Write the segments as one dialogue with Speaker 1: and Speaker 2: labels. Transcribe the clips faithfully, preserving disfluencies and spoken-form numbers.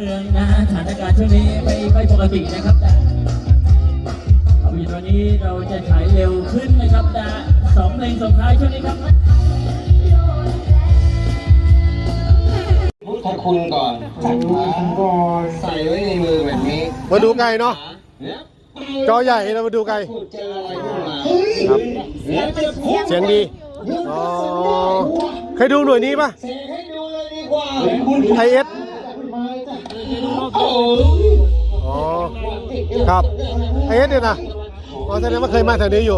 Speaker 1: มืองนะฮะสถานการณ์ช่วงนี้ไม่ไม่ปกตินะครับแต่ภาพยนตร์วันนี้เราจะฉายเร็วขึ้นนะครับนะสองเพลงส่งท้ายช่วงนี้ครับ
Speaker 2: พุทธคุณก่อนจัดมาใส่ไว้ในมือแบบนี้
Speaker 3: มาดูไกลเนาะจอใหญ่เรามาดูไกลครับเสียงดีอ๋อเคยดูหน่วยนี้ปะไอเอสอ๋อครับไอเอสเนี่ยนะอ๋อแสดงว่าเคยมาแถวนี้อยู่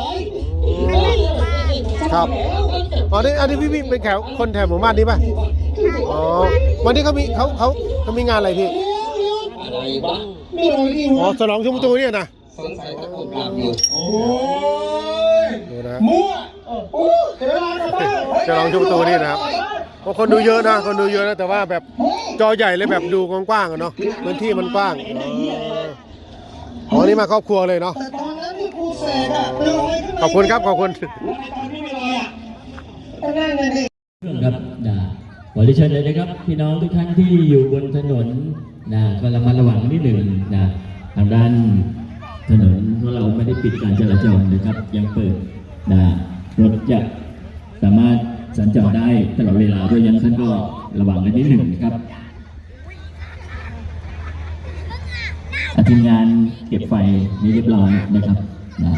Speaker 3: ครับอ๋อนี่อันนี้พี่พี่เป็นแถวคนแถวหมู่บ้านนี้ปะอ๋อวันนี้เขามีเขาเขาเขามีงานอะไรพี่อ๋อฉลองชุมประตูเนี่ยนะ
Speaker 2: สงสัยตะกุดหลับอยู่โอ้ย
Speaker 3: ดูนะ
Speaker 2: มั่ว
Speaker 3: ฉลองชุมประตูนี่นะครับเพราะคนดูเยอะนะคนดูเยอะนะแต่ว่าแบบจอใหญ่เลยแบบดูกว้างๆเนาะพื้นที่มันกว้างอ๋อนี่มาครอบครัวเลยเนาะขอบคุณครับขอบคุณ
Speaker 1: ครับนะขอเชิญเลยนะครับพี่น้องทุกท่านที่อยู่บนถนนนะก็ระมัดระวังนิดหนึ่งนะทางด้านถนนเพราะเราไม่ได้ปิดการจราจรนะครับยังเปิดนะรถจะสามารถสัญจรได้ตลอดเวลาด้วยยังท่านก็ระวังกันนิดหนึ่งนะครับทีมงานเก็บไฟนี่เรียบร้อยนะครับนะ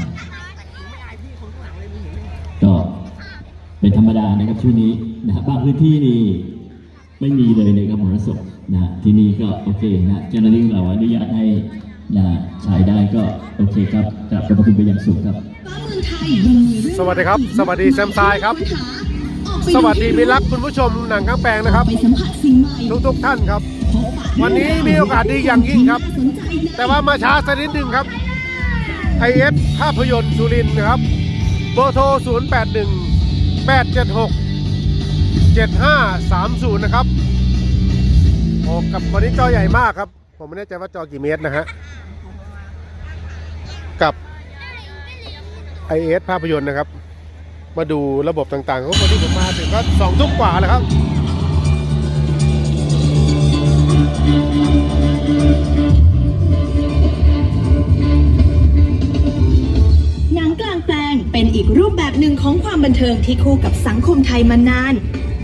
Speaker 1: ก็เป็นธรรมดานะครับช่วงนี้นะบางพื้นที่นี่ไม่มีเลยนะครับมรสพนะที่นี่ก็โอเคนะเจ้าหน้าที่เราอนุญาตให้นะใช้ได้ก็โอเคครับกราบขอบคุณไปอย่างสูงครับ
Speaker 3: สวัสดีครับสวัสดีแซมซายครับสวัสดีมิตรรักคุณผู้ชมหนังกลางแปลงนะครับทุกทุกท่านครับวันนี้มีโอกาสดีอย่างยิ่งครับแต่ว่ามาช้าสักนิดหนึ่งครับ ไอ เอส ภาพยนตร์สุรินทร์นะครับเบอร์โทรศูนย์ แปด หนึ่ง แปด เจ็ด หก เจ็ด ห้า สาม ศูนย์นะครับโอ้กับวันนี้จอใหญ่มากครับผมไม่แน่ใจว่าจอกี่เมตรนะฮะกับ ไอ เอส ภาพยนตร์นะครับมาดูระบบต่างๆของวันที่ผมมาถึงก็สองทุ่มกว่าแล้วครับ
Speaker 4: หนังกลางแปลงเป็นอีกรูปแบบหนึ่งของความบันเทิงที่คู่กับสังคมไทยมานาน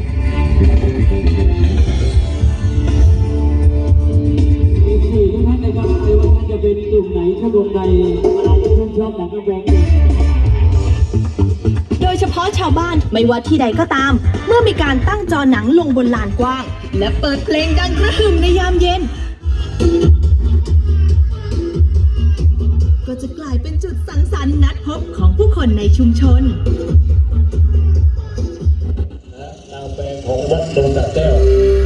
Speaker 1: สี่ทุกท่านนะครับไม่ว่าท่านจะเป็นกลุ่มไหนชมรมใดอะไรที่ท่านชอบหนังกลางแปลง
Speaker 4: โดยเฉพาะชาวบ้านไม่ว่าที่ใดก็ตามเมื่อมีการตั้งจอหนังลงบนลานกว้างและเปิดเพลงดังกระหึ่มในยามเย็นก็จะกลายเป็นจุดสังสรรค์นัดพบของผู้คนในชุมชน
Speaker 2: นางแปลงของวัดดงตะแก้ว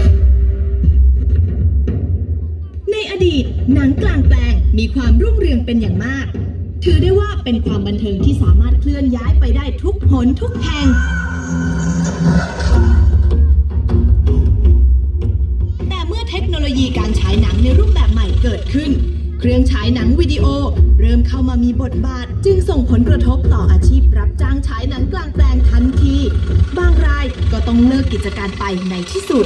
Speaker 4: ในอดีตหนังกลางแปลงมีความรุ่งเรืองเป็นอย่างมากถือได้ว่าเป็นความบันเทิงที่สามารถเคลื่อนย้ายไปได้ทุกหนทุกแห่งแต่เมื่อเทคโนโลยีการฉายหนังในรูปแบบใหม่เกิดขึ้นเครื่องฉายหนังวิดีโอเริ่มเข้ามามีบทบาทจึงส่งผลกระทบต่ออาชีพรับจ้างฉายหนังกลางแปลงทันทีบางรายก็ต้องเลิกกิจการไปในที่สุด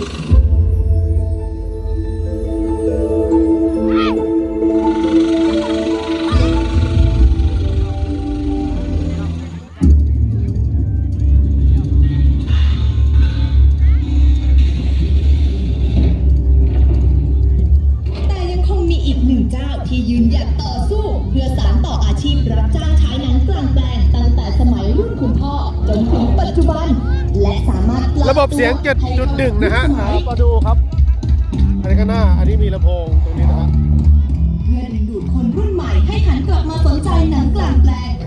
Speaker 4: ที่ยืนหยัดต่อสู้เพื่อสานต่ออาชีพรับจ้างฉายหนังกลางแปลงตั้งแต่สมัยรุ่นคุณพ่อจนถึงปัจจุบันและสามารถ
Speaker 3: ระบบเสียง เจ็ดจุดหนึ่ง นะฮะมาดูครับอันนี้ข้างหน้าอันนี้มีลำโพงตรงนี้นะฮะ
Speaker 4: เพื่อดึงดูดคนรุ่นใหม่ให้หันกลับมาสนใจหนังกลางแปลง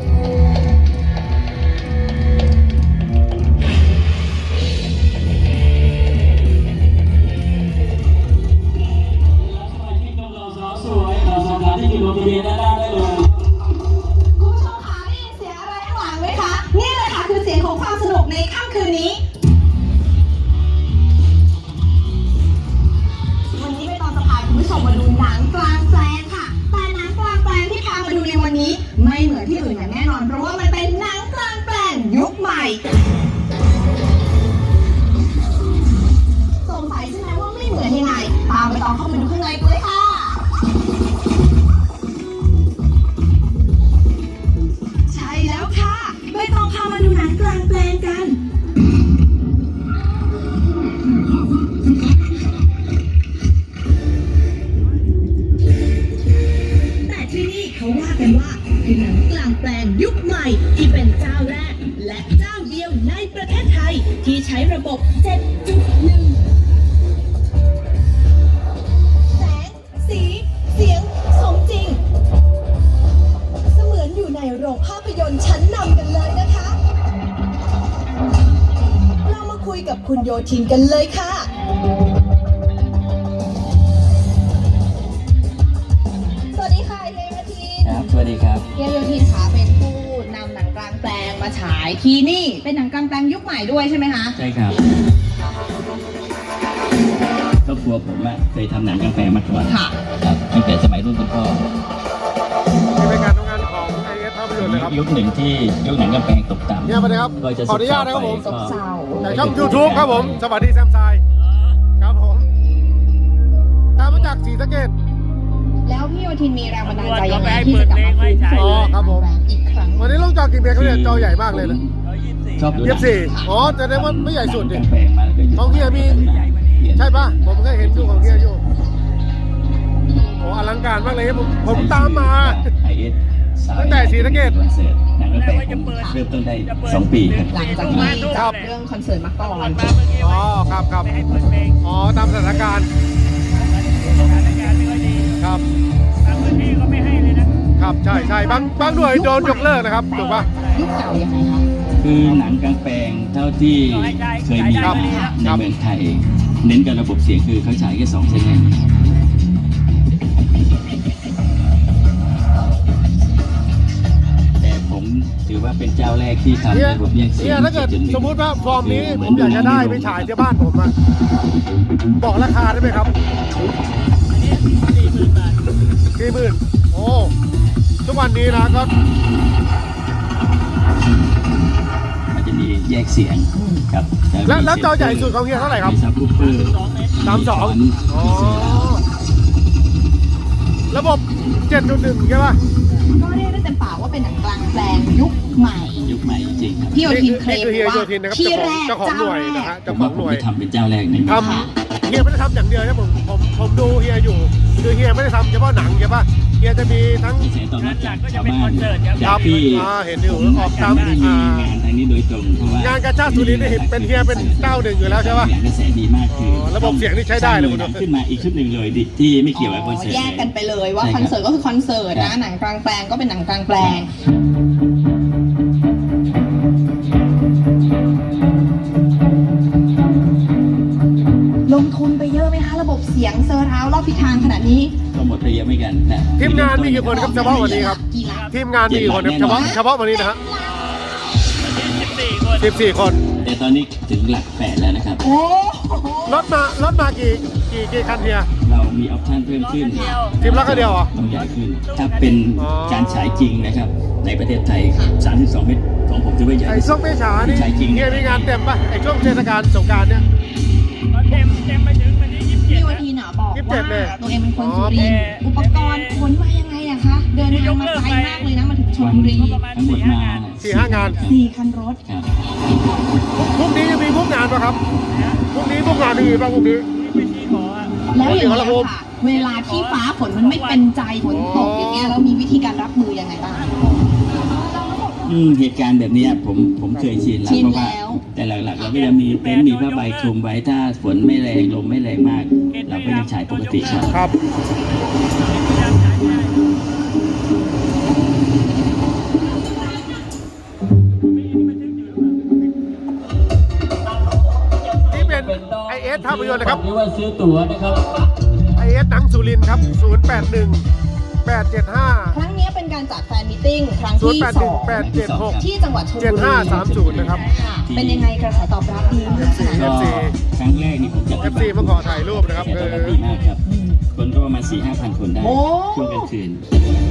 Speaker 1: ที่อยู่บริเวณด้านล่างได้เลย
Speaker 4: คุณผู้ชมคะได้ยินเสียงอะไรข้างหลังไหมคะนี่เลยค่ะคือเสียงของความสนุกในค่ำคืนนี้วันนี้ไม่ต้องจะพาคุณผู้ชมมาดูหนังกลางแปลงค่ะแต่หนังกลางแปลงที่พามาดูในวันนี้ไม่เหมือนที่อื่นอย่างแน่นอนเพราะว่ามันเป็นหนังกลางแปลงยุคใหม่สงสัยใช่ไหมว่าไม่เหมือนยังไงตามไปต่อเข้าไปดูประเทศไทยที่ใช้ระบบ เจ็ดจุดหนึ่ง แสง สี เสียง สมจริง เสมือนอยู่ในโรงภาพยนตร์ชั้นนำกันเลยนะคะ เรามาคุยกับคุณโยธินกันเลยค่ะ สวัสดีค่ะเฮียโยธิน
Speaker 1: ครับสวัสดีครับ
Speaker 4: เฮียโยธินค่ะเป็นผู้นำหนังกลางแปลงมาฉายที่นี่เป็นหนังกลางแปลงยุคใหม่ด้วยใช่ไหมคะ
Speaker 1: ใช่ครับครอบครัวผมอะเคยทำหนังกลางแปลงมาก่อน
Speaker 4: ค่ะ
Speaker 1: ครับตั้งแต่สมัยรุ่นคุณพ่อ
Speaker 3: นี่เป็นการทำงานของไอเอสภาพยนตร์เลยครับ
Speaker 1: ยุคหนึ่งที่ยุคหนังกลางแปลงตกต่ำ
Speaker 3: เนี่ยมาเลยครับ
Speaker 1: ก็จะ
Speaker 3: ขออนุญาตนะครับผม
Speaker 1: ก็
Speaker 4: เศร้า
Speaker 3: จากช่อง YouTube ครับผม สวัสดีแซมไซครับผม ตามมาจากศรีสะเกษ
Speaker 4: แล้วพี่โยธินมีแรงบันดาลใจยังไงที่จะกลับมาฟื้นฟู
Speaker 3: อ๋อครับผม
Speaker 4: หนังกลางแปลงอีกครั้ง
Speaker 3: วันนี้ลงจอกี่เมตรเขาเนี่ยจอใหญ่มากเลยนะ
Speaker 1: ชอบดูห
Speaker 3: ยี่
Speaker 1: นั
Speaker 3: สิบสี่อ๋อแต่ได้ว่าไม่ใหญ่สุด
Speaker 1: ห
Speaker 3: ดิ
Speaker 1: นังกลางแปลงมาแล้วก็
Speaker 3: ของเฮียมี ใช่ปะผมเคยเห็นดูของเฮียอยู่โอ้อลังการมากเลยผมผมตามมา
Speaker 1: ไอเอส
Speaker 3: ตั้งแต่ศรีสะเกษ
Speaker 1: คอนเสิร์ตหนังกลางแปลงผมเริ่มต้นได้สองปีครับ
Speaker 4: หลังจากที่จบเรื่องคอนเสิร์ตมาก่อน
Speaker 3: อ๋อครับครับอ๋อตามสถานการณ์ครับครับใช่ใช่บางบางหน่วยโดนยกเลิกนะครับถูกปะ
Speaker 4: ยุคเก่ายังไงคะ
Speaker 1: คือหนังกลางแปลงเท่าที่เคยมี
Speaker 3: ครับ
Speaker 1: มา
Speaker 3: ค
Speaker 1: ใน
Speaker 3: รับ
Speaker 1: เมืองไทย เน้นกับระบบเสียงคือเขาฉายแค่สองเส้นเองแต่ผมถือว่าเป็นเจ้าแรกที่ทำ
Speaker 3: เนี่ย
Speaker 1: ระบบแยกเสีย
Speaker 3: เนี่
Speaker 1: ง
Speaker 3: ยถ้าเกิด
Speaker 1: จ็หนึ่ง
Speaker 3: สมมุติว่าฟอร์มนี้ผมอยากจะได้ไปฉายที่บ้านผมอะบอกราคาได้ไหมครับสี่หมื่นโอ้ทุกวันนี้นะก็
Speaker 1: มันจะมีแยกเสียงครับ
Speaker 3: แล้วแล้วจอใหญ่สุดของเฮียเท่าไหร่ครับ
Speaker 1: มีซับวูฟเฟอร์
Speaker 3: สามสองอ๋อระบบเจ็ดจุดหนึ่งใช่ปะ
Speaker 4: ก็เรียกได้เต็มปากว่าเป็นหนังกลางแปลงยุคใหม่
Speaker 1: ยุคใหม่จริงๆครับ
Speaker 4: พี่โยธินเคลม
Speaker 3: คือเฮีย
Speaker 4: ว่า
Speaker 3: โยธินนะครับ
Speaker 4: ที่แรก
Speaker 3: เจ้าของหน่วยนะฮะ
Speaker 1: ผ
Speaker 3: เจ้าม ขอ
Speaker 1: ว่าง ผม
Speaker 3: หน่วย
Speaker 1: จะทำเป็นเจ้าแรกใน
Speaker 3: ทำเฮียไม่ได้ทำอย่างเดียวนะผมผมผมดูเฮียอยู่คือเฮียไม่ได้ทำเฉพาะหนังใช่ปะเฮียจะมีทั้ง
Speaker 1: กระแสตอบรับจากชาวบ้าน
Speaker 3: ค
Speaker 1: จา
Speaker 3: รั
Speaker 1: ก
Speaker 3: บ
Speaker 1: ที่
Speaker 3: อ่าเห็นอยู่
Speaker 1: ผม
Speaker 3: ออกตาม
Speaker 1: ไม่ได้มี
Speaker 3: อ่าง
Speaker 1: านทางนี้โดยตรงเพราะว่าง
Speaker 3: านกาชาดสุรินทร์นี่เห็นเป็นเฮียเป็นเจ้าหนึ่งอยู่แล้วใช่ปะ
Speaker 1: กระแสดีมากคือ
Speaker 3: อระบบเสียงนี่ใช้ได้เลย
Speaker 1: สร้างหน่วยหนังขึ้นมาอีกชุดหนึ่งเลยดิที่ไม่เกี่ยวกับคอนเสิร์ต
Speaker 4: แยกกันไปเลยว่า
Speaker 1: ใช่
Speaker 4: ค
Speaker 1: รับ
Speaker 4: อนเสิร์ตก็คือคอนเสิร์ตนะหนังกลางแปลงก็เป็นหนังกลางแปลง ลงทุนไปเยอะไหมคะระบบเสียงเซอร์ราวด์รอบทิศทางขนาดนี้
Speaker 1: ก็หมดไปเยอะไม่กันนะ
Speaker 3: ทีมงานมีกี่คนครับเฉพาะวันนี้ครับ
Speaker 4: กี่ล้าน
Speaker 3: ทีมงานมีกี่คนครับเฉพาะเฉพาะวันนี้นะฮะสิบสี่คน
Speaker 1: แต่ตอนนี้ถึงหลักแปดแล้วนะครับ
Speaker 4: โอ้โห
Speaker 3: รถมารถมากี่กี่กี่คันเฮีย
Speaker 1: เรามีออปชั่นเพิ่มขึ้น
Speaker 3: ทีมละคันเดียวเหรอ
Speaker 1: ต้องใหญ่ขึ้น ถ้าเป็น
Speaker 3: อ๋อ
Speaker 1: การฉายจริงนะครับ ในประเทศไทย สามสิบสอง เมตรของผมถือว่าใหญ่
Speaker 3: ไอ้ช่วงเมษานี่
Speaker 1: ใช่จริง
Speaker 3: เฮียมีงานเต็มปะไอ้ช่วงเทศกาลสงกรานต์เนี่ย
Speaker 2: เต็มเต็มไปถึงวันที่ยี่สิบเจ็
Speaker 4: พี่
Speaker 2: ด
Speaker 4: วันทีน่ะบอก
Speaker 3: ยี่สิบเจ็
Speaker 4: ว่า
Speaker 3: ดเลย
Speaker 4: ตัวเองเป็นคนสุรินทร์อุปกรณ์ขนมายังไงอะคะเดินทางมาไกลมากเลยนะมาถึงชล
Speaker 1: วัน
Speaker 4: บุรี
Speaker 1: ทั้งหมดมา
Speaker 3: สี่ห้างาน
Speaker 4: สี่คันรถ
Speaker 1: ครับ
Speaker 3: พรุ่งนี้จะมีพวกงานปะครับพรุ่งนี้พวกงานมีปะพรุ่งนี้
Speaker 2: ไปที่หออะ
Speaker 4: แล้วอย่าง
Speaker 3: ขอ
Speaker 4: นี้
Speaker 3: งเรา
Speaker 4: ยค่ะ เวลาที่ฟ้าฝนมันไม่เป็นใจฝนตกอย่างเงี้ยแล้วมีวิธีการรับมือยังไงบ้าง
Speaker 1: อืมเหตุการณ์แบบเนี้ยผมผมเคยชินแล้ว
Speaker 4: ชิน
Speaker 1: เพราะว่า
Speaker 4: แล้ว
Speaker 1: แต่หลักๆ เราก็จะมีเต็นท์มีผ้าใบคลุมไว้ถ้าฝนไม่แรงลมไม่แรงมาก เราก็ยังฉายปกติครับ
Speaker 3: ครับนี่เป็นไอเอสภาพยนตร์นะครับ
Speaker 1: นี่ว่าซื้อตั๋วนะครับ
Speaker 3: ไอเอสหนังสุรินทร์ครับศูนย์แปดหนึ่งแปดเจ็ดห้า
Speaker 4: ครั้งนี้เป็นการจัดแฟนมิทติ้งครั้ง
Speaker 3: ศูน
Speaker 4: ที่
Speaker 3: ย์แปด
Speaker 4: ส
Speaker 3: หนึ่
Speaker 4: อง ง
Speaker 3: แปดเจ็ดหก
Speaker 4: ที่จังหวัดชลบุรี
Speaker 3: เจ็ดห้าสามศูนย์นะครับ
Speaker 4: ค่ะเป็นยังไงกระแสตอบรับดีมากขนาด
Speaker 3: เอ
Speaker 4: ไหน
Speaker 3: ฟซี
Speaker 1: ก็ครั้งแรกนี่ผมจัด
Speaker 3: เอฟซีมาขอถ่ายรูปนะครับ
Speaker 1: แต่
Speaker 3: เอ
Speaker 1: ตอน
Speaker 3: อ
Speaker 1: นั้นดีมากครับ คนก็ประมาณสี่ห้าพันคนได้
Speaker 4: โอ้
Speaker 1: ช่วงกลางคืน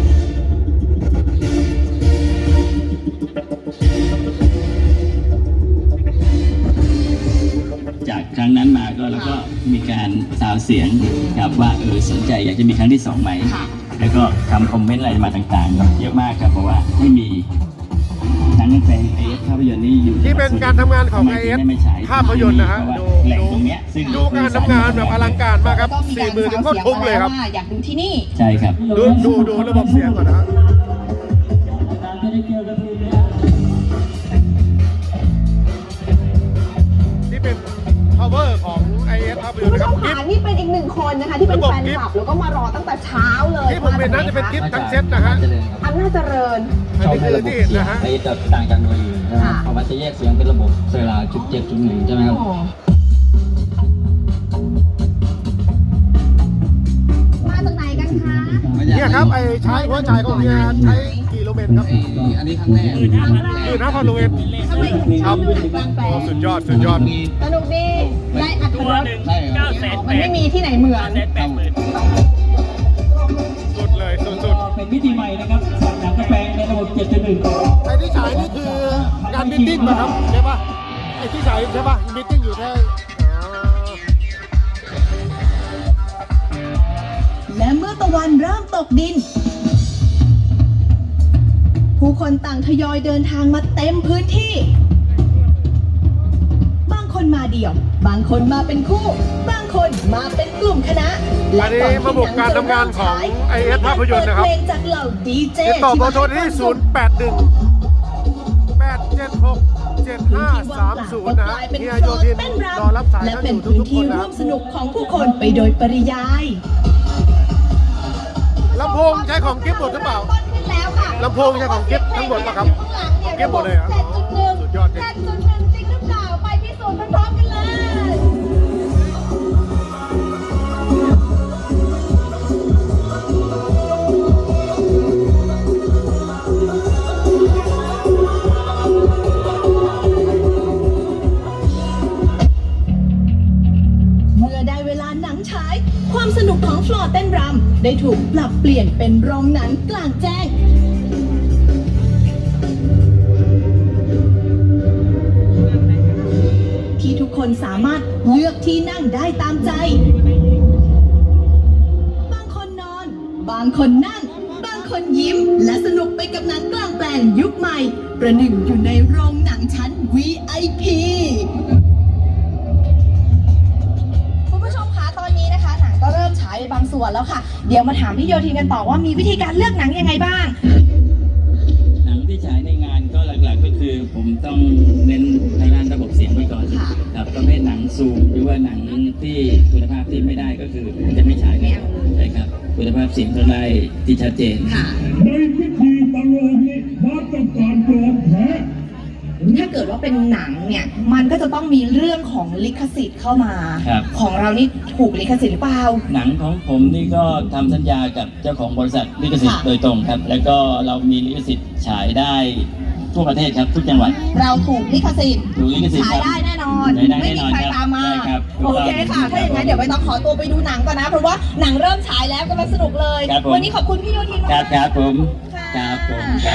Speaker 1: จากครั้งนั้นมาก็แล้วก็มีการซาวเสียงครับว่าเออสนใจอยากจะมีครั้งที่สองไหม
Speaker 4: ค่ะ
Speaker 1: แล้วก็ทำคอมเมนต์อะไรมาต่างๆ เยอะมากครับเพราะว่าไม่มีหนังกลางแปลงไอเอสภาพยนตร์นี่อยู่
Speaker 3: นี่เป็นการทำงานของ
Speaker 1: ทำไม
Speaker 3: ไอเอ
Speaker 1: ถึ
Speaker 3: ส
Speaker 1: ได้ไม่ฉาย
Speaker 3: ภาพยนตร์นะฮะ
Speaker 1: เพราว่า
Speaker 3: ดู
Speaker 1: แหล่ง
Speaker 3: ดู
Speaker 1: ตรงเนี้ยซึ่ง
Speaker 3: ดูการทำงานแบบอลังการมากครับ
Speaker 4: แล้วก็มี
Speaker 3: สี่
Speaker 4: การ
Speaker 3: หมื่น
Speaker 4: ซาว
Speaker 3: โคตร
Speaker 4: เสียง
Speaker 3: คุ้ม
Speaker 4: มา
Speaker 3: เลย
Speaker 4: แล้ว
Speaker 3: ครับ
Speaker 4: ว่าอยากดูที่นี่
Speaker 1: ใช่ครับ
Speaker 3: ดูดูดูระบบเสียงก่อนนะฮะ
Speaker 1: ไม่ได้เกี่ยวกับ
Speaker 3: ย
Speaker 5: คุ
Speaker 3: น
Speaker 5: ณ
Speaker 3: ตร์
Speaker 5: ผู้
Speaker 3: นะ
Speaker 5: ช
Speaker 3: ครับ
Speaker 5: ม
Speaker 3: กิฟ
Speaker 5: ค่ะนี่เป็นอีกหนึ่งคนนะคะที่เป็นแฟนคลับแล้วก็มารอตั้งแต่เช้าเลย
Speaker 3: ที่ผมเห็นน่าจะเป็นกิฟทั้งเซตนะฮะ
Speaker 5: อำนาจเจริญ
Speaker 3: อันนี้คือที่เห็นนะฮะ
Speaker 6: ไอ้จะต่างจากหน่วยอื่นใช่ไหมครับเพราะว่าจะแยกเสียงเป็นระบบเซราจุดเจ็ดจุดหนึ่งใช่ไหมครับ
Speaker 5: มาจากไหนกันคะ
Speaker 3: เนี่ยครับไอ้ใช้หัวจ่ายของเฮียใช้กี่โลเมตรครับ
Speaker 6: อันนี้ครั้งแรก
Speaker 3: คือนะพันโลเมตร
Speaker 5: ทำไมถึงช
Speaker 3: ค
Speaker 5: อ
Speaker 3: รั
Speaker 5: บบ ดูหนังกลางแปล
Speaker 3: โอ้
Speaker 5: ง
Speaker 3: สุดยอดสุดยอด
Speaker 5: สนุกดีได้อัตรส
Speaker 6: ใช่ครับ
Speaker 5: มันไม่มีที่ไหนเหมือน
Speaker 3: สุดเลยสุดสุด
Speaker 1: เป็นวิธีใหม่นะครับหนังกระแปลงในระบบเจ็ดจุดหนึ่ง
Speaker 3: ไอ้ที่ฉายนี่คืองานมิทติ้งป่ะครับใช่ป่ะไอ้ที่ฉายใช่ป่ะมิทติ้งอยู่แค่อ๋อ
Speaker 4: และเมื่อตะวันเริ่มตกดิน ผู้คนต่างทยอยเดินทางมาเต็มพื้นที่ บางคนมาเดี่ยว บางคนมาเป็นคู่ บางคนมาเป็นกลุ่มคณะ
Speaker 3: อันนี้ระบบการทำงานของ ไอ เอส ภาพยนตร์นะครับ
Speaker 4: เพลงจากเหล่าดีเจ
Speaker 3: ติดต่อเบอร์โทรที่ศูนย์แปดหนึ่ง แปดเจ็ดหก เจ็ดห้าสามศูนย์นะฮะเฮียโยธินรอรับสาย
Speaker 4: และ
Speaker 3: ท่าน
Speaker 4: เป็
Speaker 3: อน ยู่
Speaker 4: พื้น
Speaker 3: ทุกๆค
Speaker 4: ที่
Speaker 3: นนะ
Speaker 4: ร่วมสนุกของผู้คนไปโดยปริยาย
Speaker 3: ลำโพงใช้ของกิฟต์หมดหรือเปล่า
Speaker 5: ขึ้นแล้วค่ะ
Speaker 3: ลำโพงใช้ของกิฟต์ทั้งหมดป่ะครับ เก็บหมดเลยเหรอ
Speaker 5: เจ็ดจุดหนึ่ง
Speaker 3: สุดยอดจริง
Speaker 5: เจ็ดจุดหนึ่งจริงหรือเปล่าไปพิสูจน์พร้อมๆกันเลย
Speaker 4: เมื่อได้เวลาหนังฉาย ความสนุกของฟลอร์เต้นรำได้ถูกปรับเปลี่ยนเป็นโรงหนังกลางแจ้ง ที่ทุกคนสามารถเลือกที่นั่งได้ตามใจ บางคนนอน บางคนนั่ง บางคนยิ้ม และสนุกไปกับหนังกลางแปลงยุคใหม่ ประหนึ่งอยู่ในโรงหนังชั้น วี ไอ พี
Speaker 5: คุณผู้ชมคะตอนนี้นะคะหนังก็เริ่มฉายไปบางส่วนแล้วค่ะ เดี๋ยวมาถามพี่โยธินกันต่อว่ามีวิธีการเลือกหนังยังไงบ้าง
Speaker 6: หนังที่ฉายในงานก็หลักๆก็คือผมต้องเน้นทางด้านระบบเสียงไว้ก่อน
Speaker 5: ค่ะ
Speaker 6: ครับประเภทหนังซูมหรือว่าหนังที่คุณภาพที่ไม่ได้ก็คือจะไม่ฉายแล้วใช่ครับคุณภาพเสียงต้องได้ที่ชัดเจน
Speaker 7: ในพิธีประโลมนี้มาตรการปลอดแท้
Speaker 5: ถ้าเกิดว่าเป็นหนังเนี่ย มันก็จะต้องมีเรื่องของลิขสิทธิ์เข้ามา
Speaker 6: ครับ
Speaker 5: ของเรานี่ถูกลิขสิทธิ์หรือเปล่า
Speaker 6: หนังของผมนี่ก็ทำสัญญากับเจ้าของบริษัทลิขสิทธิ์
Speaker 5: ค่ะ
Speaker 6: โดยตรงครับ แล้วก็เรามีลิขสิทธิ์ฉายได้ทั่วประเทศครับทุกจังหวัด
Speaker 5: เราถูกลิขสิทธิ์
Speaker 6: ถูกลิขสิทธิ์
Speaker 5: ฉายได้แน่นอน
Speaker 6: ฉายได้
Speaker 5: ไม่
Speaker 6: แน่น
Speaker 5: มี
Speaker 6: อน
Speaker 5: ใคร
Speaker 6: ครับ
Speaker 5: ตามมา
Speaker 6: ใช่ครับ
Speaker 5: โอเคค่ะ ถ้าอย่างนั้นเดี๋ยวไปต้องขอตัวไปดูหนังก่อนนะ เพราะว่าหนังเริ่มฉายแล้วกำลังสนุกเลย
Speaker 6: ครับผม
Speaker 5: วันนี้ขอบคุณพี่โยธิน
Speaker 6: ค
Speaker 5: มา
Speaker 6: รั
Speaker 5: ก
Speaker 6: บครับผม
Speaker 5: ค่ะ
Speaker 6: ครับผมครับ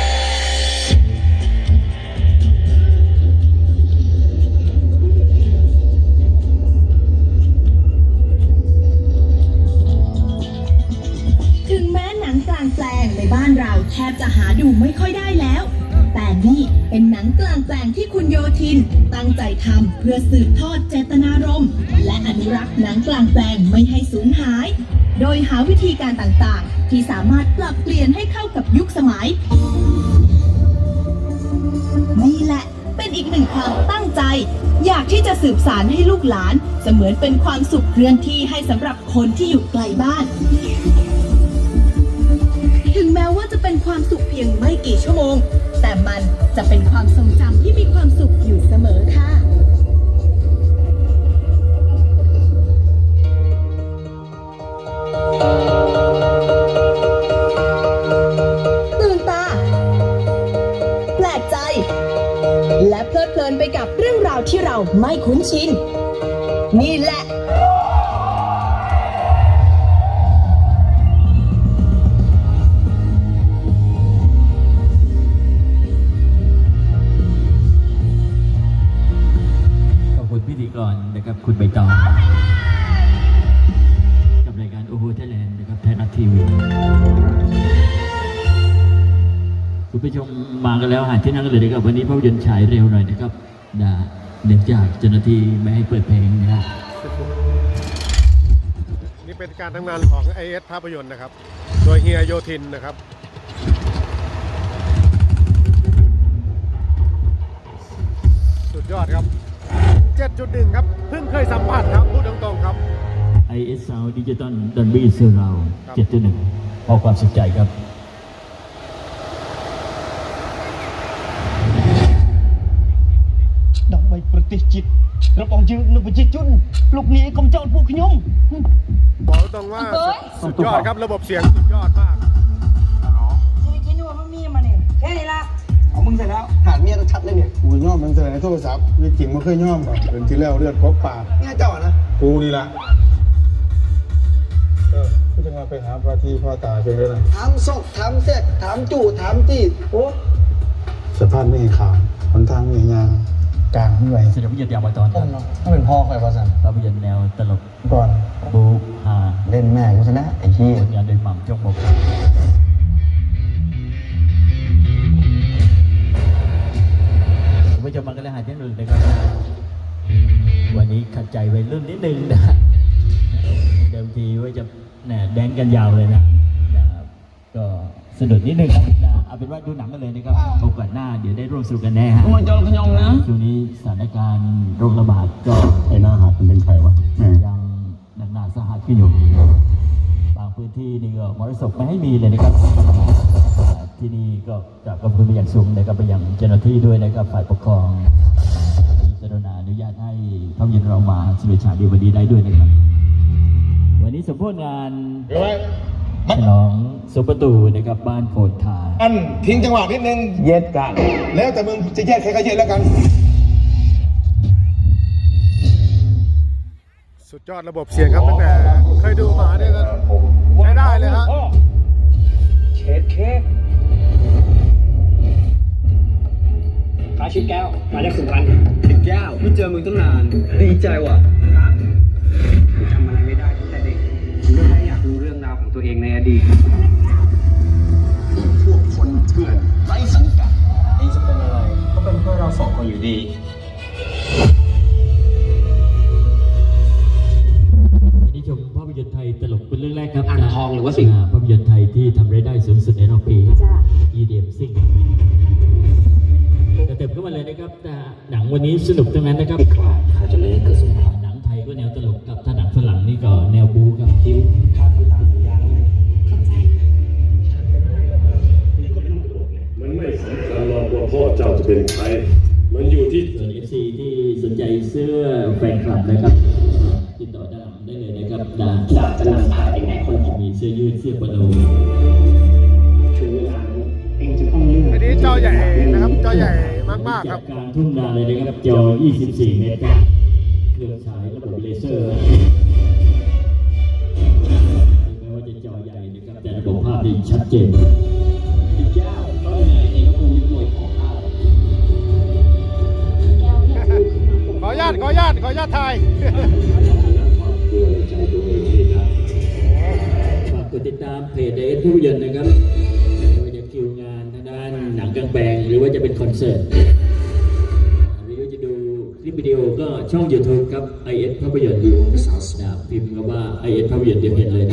Speaker 4: ถึงแม้หนังกลางแปลงในบ้านเราแทบจะหาดูไม่ค่อยได้แล้ว แต่นี่เป็นหนังกลางแปลงที่คุณโยธิน ตั้งใจทำเพื่อสืบทอดเจตนารมณ์และอนุรักษ์หนังกลางแปลงไม่ให้สูญหาย โดยหาวิธีการต่างๆ ที่สามารถปรับเปลี่ยนให้เข้ากับยุคสมัย นี่แหละเป็นอีกหนึ่งความตั้งใจ อยากที่จะสืบสานให้ลูกหลาน เสมือนเป็นความสุขเคลื่อนที่ให้สำหรับคนที่อยู่ไกลบ้าน ถึงแม้ว่าจะเป็นความสุขเพียงไม่กี่ชั่วโมง แต่มันจะเป็นความทรงจำที่มีความสุขอยู่เสมอค่ะ ตื่นตา แปลกใจ และเพลิดเพลินไปกับเรื่องราวที่เราไม่คุ้นชิน นี่แหละ
Speaker 1: ขอบคุณพิธีกรนะครับคุณใบตองกับรายการโอโหไทยแลนด์นะครับไทยรัฐทีวีคุณผู้ชมมากันแล้วหาที่นั่งกันเลยนะครับวันนี้ภาพยนตร์ฉายเร็วหน่อยนะครับนะเนื่องจากเจ้าหน้าที่ไม่ให้เปิดเพลงนะครับ
Speaker 3: นี่เป็นการทำงานของ ไอ เอส ภาพยนตร์นะครับ โดยเฮียโยธินนะครับ สุดยอดครับเจ็ดจุดหนึ่ง ครับเพิ่งเคยสัมผัสครับพูดตรงๆครับ
Speaker 1: ไอ เอส Sound Digital Dolby Surround เจ็ดจุดหนึ่ง พอความสุขใจครับ
Speaker 8: ដើម្បីប្រទេសជាតិរបស់យើងនៅប្រជាជនលោកនាយកុំចោទពួកខ្ញុំ
Speaker 3: บอกตรงว่าสุดยอดครับระบบเสียงสุดยอดมาก
Speaker 5: ชีวิตจริงว่ามันมีมาเนี่ยแค่นี้ละ
Speaker 8: เอามึงเสร็จแล้วหาเมียชัดเลยเนี่ย
Speaker 2: กูย่อมมันเจอในโทรศัพท์มีจริงไม่เคยย่อมก่อนเป็นที่แล้วเลือดครบปาก
Speaker 8: เนี่ยเจ้าอะนะ
Speaker 2: กูนี่ละเออกูจะมาไปหาพ่อที่พ่อตาเพียงด้วยนะ
Speaker 8: ถามศพถามแซกถามจู่ถามจีดโอ้
Speaker 2: สภาพไม่ขาวหนทางไม่ยางกลางไม่ไหว
Speaker 1: แสดงวิญญาณยาวมาตอนครับ
Speaker 8: ถ้าเป็นพ่อใครวะสัน
Speaker 1: ภาพยนตร์แนวตลก
Speaker 2: ก่อน
Speaker 1: บูฮา
Speaker 8: เล่นแม่กูซะนะไอ้ที่
Speaker 1: ผลงานโดยหม่ำจงบกครับผมไม่จะมากันเลยหายที่หนึ่งนะครับ วันนี้ขัดใจไปเรื่องนิดนึงนะเดิมทีว่าจะแหน่แดงกันยาวเลยนะนะครับก็สะดุดนิดนึงครับนะเอาเป็นว่าดูหนังกันเลยนะครับโอกาสหน้าเดี๋ยวได้ร่วมสนุกกันแน่ฮะ
Speaker 8: มันจอขยองนะ
Speaker 1: ช่วงนี้สถานการณ์โรคระบาดก็
Speaker 2: ไอ้หน้าหักมันเป็นใครวะ
Speaker 1: ยังหนักหนาสาหัสขึ้นอยู่บางพื้นที่นี่ก็มรสุมไม่ให้มีเลยนะครับที่นี่ก็กราบขอบคุณไปอย่างสูงนะครับไปยังเจ้าหน้าที่ด้วยนะครับฝ่ายปกครองที่กรุณาอนุญาตให้ภาพยนตร์เรามาสเวชฉายดีวันนี้ได้ด้วยนะครับ วันนี้สมโภชงานฉลองสุประตูนะครับบ้านโพนทา
Speaker 2: อันทิ้งจังหวะนิดนึง
Speaker 8: เย็ดกัน
Speaker 2: แล้วแต่มึงจะแยกใครก็แยกแล้วกัน
Speaker 3: สุดยอดระบบเสียงครับตั้งแต่เคยดูมาเนี่ยก็ใช้ได้เลยฮะ
Speaker 8: เช็ดเค้กขายชิดแก้วมาจากสุพรรณชิดแก้วไม่เจอมึงตั้งนานดีใจว่ะจำอะไรไม่ได้ตั้งแต่เด็กผมก็แค่อยากรู้เรื่องราวของตัวเองในอดีตพวกคนเถื่อนไร้สังกัดเองจะเป็นอะไรก็เป็นเพื่อเราสองคนอยู่ดี
Speaker 1: วันนี้ชมภาพยนตร์ไทยตลกเป็นเรื่องแรกครับ
Speaker 8: อ่างทองหรือว่าสิงห์
Speaker 1: ภาพยนตร์ไทยที่ทำรายได้สูงสุดในรอบปี อี ดี เอ็ม ซิ่งแต่เต็มเข้ามาเลยนะครับแต่หนังวันนี้สนุกทั้งนั้นนะครับ
Speaker 8: ข้าจะเลยเกิดสงคราม
Speaker 1: หนังไทยก็แนวตลกกับถ้าหนังฝรั่งนี่ก็แนวบู๊ครับ
Speaker 8: ทีมข้าทำตามสัญญาแล้วไงขอบใจ
Speaker 7: มันไม่สำคัญหรอกว่าพ่อเจ้าจะเป็นใคร มันอยู่ที่
Speaker 1: ส่วน เอฟ ซี ที่สนใจเสื้อแฟนคลับนะครับติดต่อด้านหลังได้เลยนะครับดา
Speaker 8: ดาบจะนำพาเองไหนคนของ
Speaker 1: มีเสื้อยืดเสื้อปโล
Speaker 8: ถึงเวลาเองจะต้องเลือก
Speaker 3: อันนี้จอใหญ่นะครับจอใหญ่มากๆครับ
Speaker 1: จากกลางทุ่งนาเลยนะครับจอ ยี่สิบสี่ เมตรครับเครื่องฉายระบบเลเซอร์ไม่ว่าจะจอใหญ่นะครับแต่ระบบภาพดีชัดเจน
Speaker 8: เจ้าก็เหนื่อยเองก็คงยึดหน่วยของข้า
Speaker 3: ขออนุญาตขออนุญาตขออนุญาตถ่าย
Speaker 1: ฝากกดติดตามเพจเอสภาพยนตร์นะครับไม่ว่าจะคิวงานทางด้านหนังกลางแปลงหรือว่าจะเป็นคอนเสิร์ตหรือว่าจะดูคลิปวิดีโอก็ช่อง YouTube ครับ ไอ เอส ภาพยนตร์นะพิมพ์คำว่า ไอ เอส ภาพยนตร์เดี๋ยวเห็นเลยนะ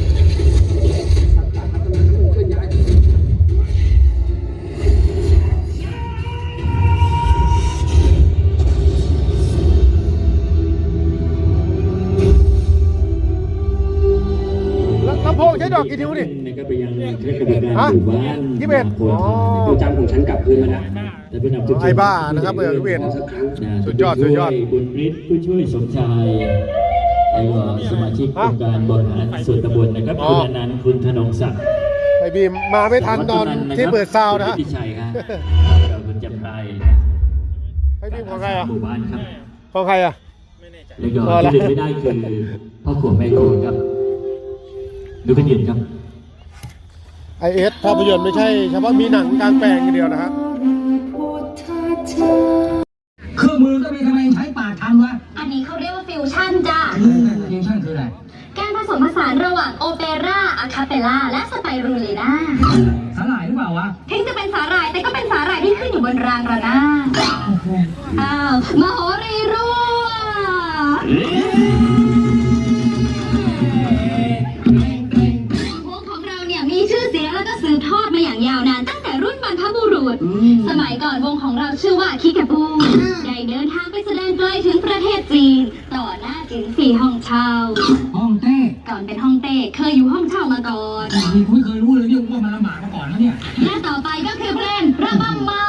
Speaker 3: ลำโพงใช้ดอกกี่นิ้วนี่
Speaker 1: นะครับไปยังคณะกรรมการหมู่บ้าน
Speaker 3: ยี่สิบเอ็ด
Speaker 1: โพนทา
Speaker 8: ตัวจำของฉันกลับคืนมานะ
Speaker 1: แต่ผู้นำทุก
Speaker 3: ไอ้บ้านะครับเบอร์ยี่สิบเอ็ด สุดยอดสุดยอด
Speaker 1: บุญฤทธิ์ผู้ช่วยสมชายแล้วก็สมาชิกองค์การบริหารส่วนตำบลนะครับ
Speaker 3: อ๋อ
Speaker 1: คุณอนันต์คุณธนงศักดิ์
Speaker 3: ไอ้บีมมาไม่ทันตอนที่เปิดซาวน์นะฮะ
Speaker 1: พิชัยครับแล้วคุณจำไร
Speaker 3: ไอ้บีมของใครอ่ะ
Speaker 1: หมู่บ้านครับ
Speaker 3: ของใครอ่ะ
Speaker 1: แล้วก็
Speaker 3: พอละ
Speaker 1: ที่ลืมไม่ได้คือพ่อขวบแม่โคครับดูกันยินครับ
Speaker 3: ไอเอสภาพยนตร์ไม่ใช่เฉพาะมีหนังกลางแปลงอย่างเดียวนะฮะ
Speaker 8: เครื่องมือก็มีทำไมใช้ปากทำวะ
Speaker 9: อันนี้เขาเรียกว่าฟิวชั่นจ้ะ
Speaker 8: ฟิวชั่นคืออะไร
Speaker 9: การผสมผสานระหว่างโอเปร่าอะคาเปลล่าและสไปรูลีน่า
Speaker 8: สลายหรือเปล่าวะ
Speaker 9: ถึงจะเป็นสาหร่ายแต่ก็เป็นสาหร่ายที่ขึ้นอยู่บนรางระนาดอ้าวมโหรีรั่ววงของเราเนี่ยมีชื่อเสียงแล้วก็สืบทอดมาอย่างยาวนานตั้งแต่รุ่นบรรพบุรุษด สมัยก่อนวงของเราชื่อว่าคิกาบูได้เดินทางไปแสดงไกลถึงประเทศจีน ต่อหน้าจินซีห้องเช่า
Speaker 8: ห้องเต้
Speaker 9: ก่อนเป็นห้องเต้เคยอยู่ห้องเช่ามาก่อน
Speaker 8: นี่คุณเคยรู้เลยเนี่ยว่ามันลำบากมาก่อนแล้วเนี่ย
Speaker 9: และต่อไปก็คือเพลงระบำมา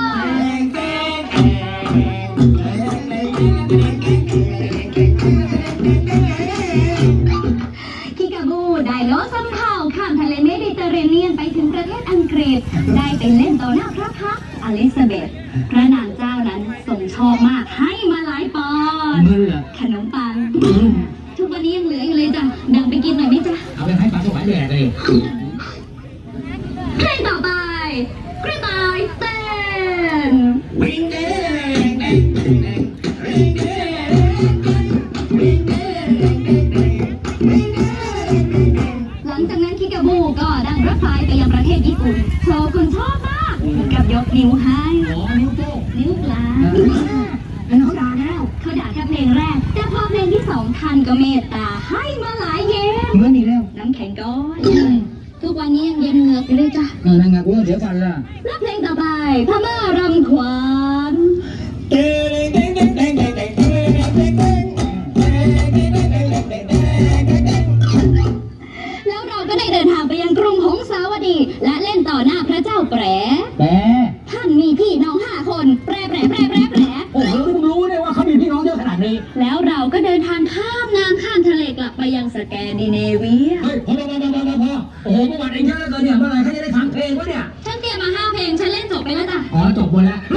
Speaker 9: คิกาบูได้โลสำเภาข้ามทะเลเมดิเตอร์เรเนียนไปถึงประเทศอังกฤษ ได้ไปเล่นต่อหน้าพระพักตร์อลิซาเบธพระนางเจ้านั้นทรงชอบมากให้มาหลายปอนด์
Speaker 8: เงินเหรอ
Speaker 9: ขนมปังทุกวันนี้ยังเหลืออยู่เลยจ้ะดังไปกินหน่อยไหมจ๊ะ
Speaker 8: เอาไปให้ปลาสวายแดกเลย
Speaker 9: เพลงต่อไปกระต่ายเต้นหลังจากนั้นคิกาบูก็ดังรถไฟไปยังประเทศญี่ปุ่นโชว์คุณชอบมากกับยกนิ้วให้
Speaker 8: อ๋อนิ้วโป้ง
Speaker 9: นิ้วกลาง
Speaker 8: แล้วเขาด่าแล้ว
Speaker 9: เขาด่าแค่เพลงแรก แต่พอเพลงที่สองท่านก็เมตตาให้มาหลายเย็น
Speaker 8: เงินอีกแล้ว
Speaker 9: น้ำแข็งก้อนทุกวันนี้ยังเย็นเหงือกอยู่เลยจ้ะ
Speaker 8: เออนั่งงักกูเดี๋ยวกันล่ะ
Speaker 9: และเพลงต่อไปพม่ารำขวานแล้วเราก็ได้เดินทางไปยังกรุงหงสาวดี และเล่นต่อหน้าพระเจ้าแปร
Speaker 8: แต่
Speaker 9: ท่านมีพี่น้องห้าคนแปรแปรแปรแปรแปร
Speaker 8: โอ้โหเพิ่งรู้เลยว่าเขามีพี่น้องเยอะขนาดนี้
Speaker 9: แล้วเราก็เดินทางข้ามน้ำข้ามทะเลกลับไปยังสแกนดิเนเวีย
Speaker 8: เฮ้ยพอพอพอพอพอโอ้โหเมื่อวานเองเยอะเหลือเกินเนี่ยเมื่อไหร่เขาจะได้ฟังเพลงวะเนี่ย
Speaker 9: ฉันเตรียมมาห้าเพลงฉันเล่นจบไปแล้วจ้ะ
Speaker 8: อ๋อจบหมดแล้ว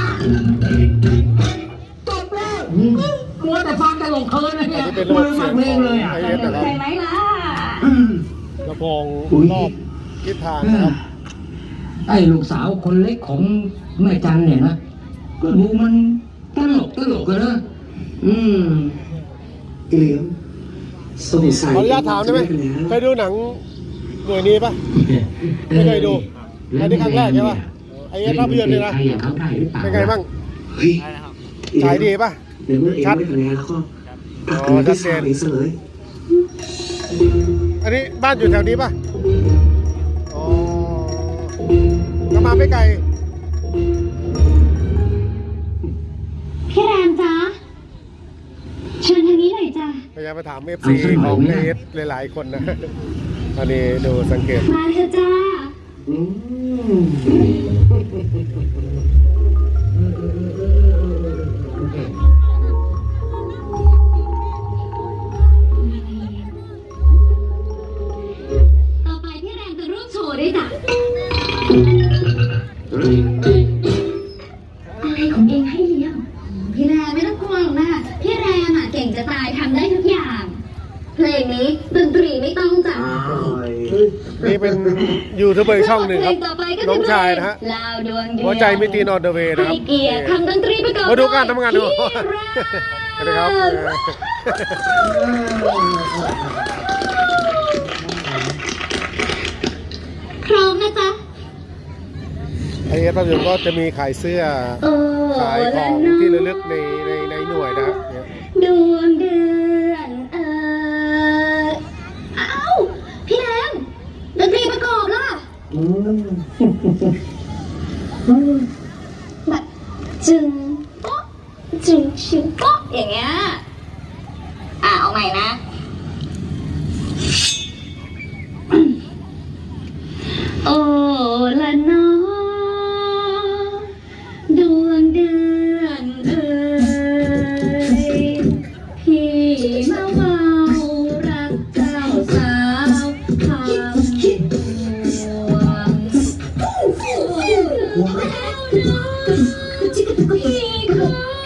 Speaker 8: จบแล้วมัวแต่ฟังตลกเพลินนะเนี่ยมือฟังเพลงเลยอ่ะ
Speaker 3: ไอเอสนะครับ
Speaker 9: ใช่ไหมล่ะ
Speaker 3: ลำโพงรอบทิศทางนะครับ
Speaker 8: ไอ้ลูกสาวคนเล็กของแม่จันเนี่ยนะก็ดูมันตลกตลกกันนะอืม
Speaker 2: เหลียมสงสัย
Speaker 3: ขออนุญาตถามได้ไหมเคยดูหนังหน่วยนี้ปะไม่เคยดูอันนี้ครั้งแรกใช่ปะไอเอสภาพยนตร์เลยนะเป็นไงบ้าง
Speaker 2: เฮ้ย
Speaker 3: ฉายดีปะ
Speaker 2: เดี๋ยวเมื่อเองไม่คะแนนแล้วก็
Speaker 3: อ๋
Speaker 2: ตัด
Speaker 3: อ
Speaker 2: คะแนน
Speaker 3: ชัดเจน
Speaker 2: ที่สามอีกเสย
Speaker 3: อันนี้บ้านอยู่แถวนี้ปะอ๋อก็มาไม่ไกล
Speaker 9: พี่แรมจ๊ะเชิญทางนี้หน่อยจ้ะ
Speaker 3: พยายามมาถามเอฟซีของไอเอสหลายๆคนนะ อันนี้ดูสังเกต
Speaker 9: มาเถอะจ้า
Speaker 2: อืม
Speaker 9: ต่อไปพี่แรมจะร่วมโชว์ด้วยจ้ะอะไรของเองให้เลี้ยงพี่แรมไม่ต้องกลัวหรอกนะพี่แรมอ่ะเก่งจะตายทำได้ทุกอย่าง เพลงนี้ดนตรีไม่ต้องจ้ะ
Speaker 3: นี่เป็นยูทูบเบอร์ช่องหนึ่งครับ
Speaker 9: เพลต่อไปก็
Speaker 3: น้องชายนะฮะ
Speaker 9: ลาวดวงเดียว
Speaker 3: หัวใจไม่ตีนอนเดอะเวย์นะครับ
Speaker 9: ให้เกียรติคำดนตรีประกอบ
Speaker 3: มาดูการทำงานดู
Speaker 9: พี่แรม
Speaker 3: สวัสดีครับ
Speaker 9: พร้อมนะจ๊ะ
Speaker 3: ไอเอสภาพยนตร์ก็จะมีขายเสื้อ
Speaker 9: โอ้
Speaker 3: ขายของที่ระลึกในในในหน่วยนะครับเนี่ย
Speaker 9: ดวงเดือนเออเอ้าพี่แรมดนตรีประกอบล่ะ
Speaker 2: อืม
Speaker 9: แบบจึงโป๊ะจึงชิงโป๊ะอย่างเงี้ยอ่ะเอาใหม่นะ โอ้ละเน้อดวงเดือนเอ่ยพี่มาเมารักเจ้าสาวคำดวงพี่ขอ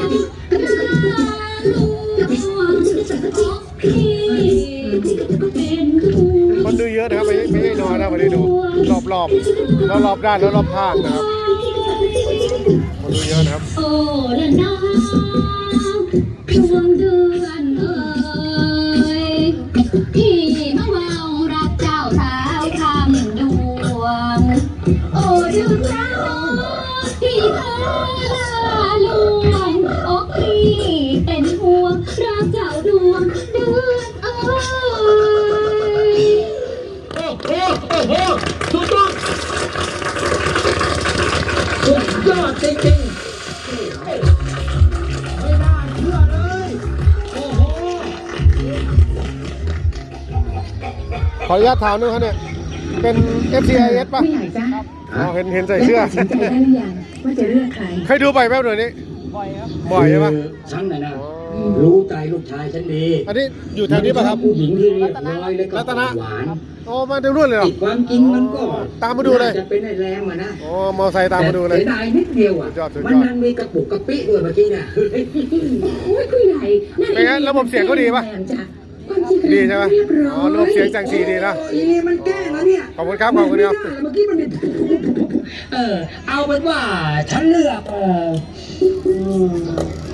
Speaker 9: พี่เป็นคู่
Speaker 3: คนดูเยอะนะครับไม่ไม่ใช่น้อยนะวันนี้ดูรอบรอบรอบรอบด้านแล้วรอบข้างนะครับคนดูเยอะนะครับ
Speaker 9: โอ้ละน้องดวงเดือนเอ่ยพี่มาเมารักเจ้าสาวคำดวงโอ้ดวงดาวพี่เธอลาลวงโอ้พี่เป็นห่วงรักเจ้าดวงเดือนเอ่ย
Speaker 8: โอ้โหโอ้โหสุดยอด
Speaker 3: ขออนุญาตถามนึงครับเนี่ยเป็น เอฟ ซี ไอ เอส ป่ะ
Speaker 5: ผู้ใหญ่จ้ะ
Speaker 3: อ๋อเห็นเห็นใส่เสื้อ
Speaker 5: ได้ตัดสินใจได้หรือยังว่าจะเลือกใคร
Speaker 3: เคยดูบ่อยไหมหน่วยนี้บ่อยครับบ่อยใช่ปะ
Speaker 10: ฉันน่ะนะรู้ใจลูกชายฉันดี
Speaker 3: อันนี้อยู่แถวนี้ป่ะครับ
Speaker 10: ผู้หญิงที่เรียบร้อยและก็
Speaker 3: รัตนะ
Speaker 10: หวาน
Speaker 3: โอ้มาดูรุ่นเลยเหรอ
Speaker 10: ติดความจริงมันก็
Speaker 3: ตามมาดูเลย
Speaker 10: น่จะเป็นไอ้แรงอะนะ
Speaker 3: โอ้มอไซค์ตามมาดูเลย
Speaker 10: แต่เสียดายนิดเดียวอ่ะ
Speaker 3: สุดยอดสุดยอด
Speaker 10: มันนันมีกระปุกกระปิด้วยเมื่อกี้เนี่ย
Speaker 9: โอ้ยผู้ใหญ่นั่น
Speaker 3: เป็นไงระบบเสียงเขาดีปะ
Speaker 9: จ้ะความจริง
Speaker 3: ดีใช่ไหม
Speaker 9: เรียบร้
Speaker 3: อ๋
Speaker 9: อ
Speaker 3: อย ระบบเสียงจังสีดีนะ
Speaker 10: โอ้ยนี่มันแกล้งแล้วเนี่ย
Speaker 3: ขอบคุณครับขอบคุณครับ
Speaker 10: มันไม่ได้เมื่อกี้มันเนี่ยเออเอาเป็นว่าฉันเลือกเอออืม